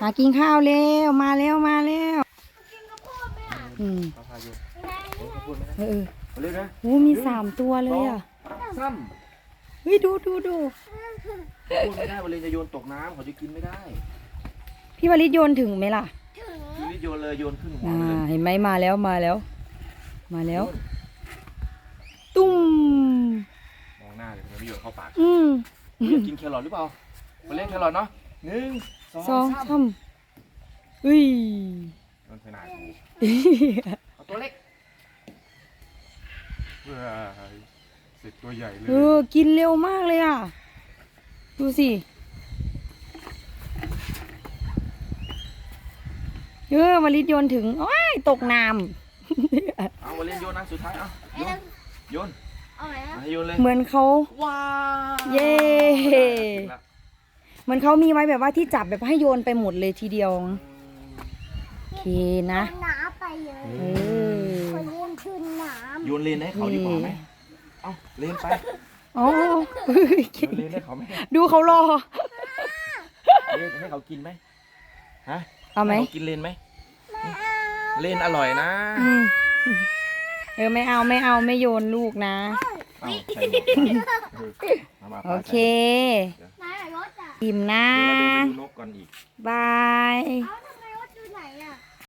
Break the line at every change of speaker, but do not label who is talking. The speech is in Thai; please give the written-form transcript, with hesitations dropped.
หากินข้าวเร็วมาแล้วมาแล้วอืม
ข้าวพายุข้าวพูดไหม
เออ
มาเร็วนะ
โอ้มี3 ตัวเลยอ่ะ
ซ้
เฮ้ยดู
ำพูดไม่ได้วันเลยจะโยนตกน้ำเขาจะกินไม่ได้
พี่วลิตโยนถึงไหมล่ะ
ชีวิตโยนเลยโยนขึ้นหัว
อ่า
เลย
เห็นไหมมาแล้วมาแล้ว มาแล้ว ตุ้ม
มองหน้าเลยมันไม่โยนเข้าปาก
อืม
อยากกินแครอทหรือเปล่ามาเล่นแครอทเนาะ1 2
สอง
3
ทำอุ้ย
โยนไปไหนเอาตัวเล็กเสร็จตัวใหญ่เลย
กินเร็วมากเลยอ่ะ ดูสิวลิตโยนถึงโอ้ยตกน้
เอามาเล่นโยนนะสุดท้ายเอาโยน
เอาไหม
มาให้โยนเลย
ำเหมือนเขา
ว้า
เย้ เหมือนเขามีไว้แบบว่าที่จับแบบให้โยนไปหมดเลยทีเดียวโอเคนะ
น้ำไปเลย
เออ
คนเล่นขึ้นน้
โยนเลนให้เขาดีกว่าไหมเอาเลนไป
อ๋อ
โยนเลนให้เขาไหม
ดูเขารอ
เลนให้เขากินไหมฮะ
เอาไหม
ให้เขากินเลนไหมเลนอร่อยนะ
อืมไม่เอาไม่โยนลูกนะ
เอาใส่หมวกมา
โอเค
ำนายรถอ่ะ
อิ่มนะ
เดี๋ยวเราเดินไปดูนกก่อนอีก
บาย
เอาไหน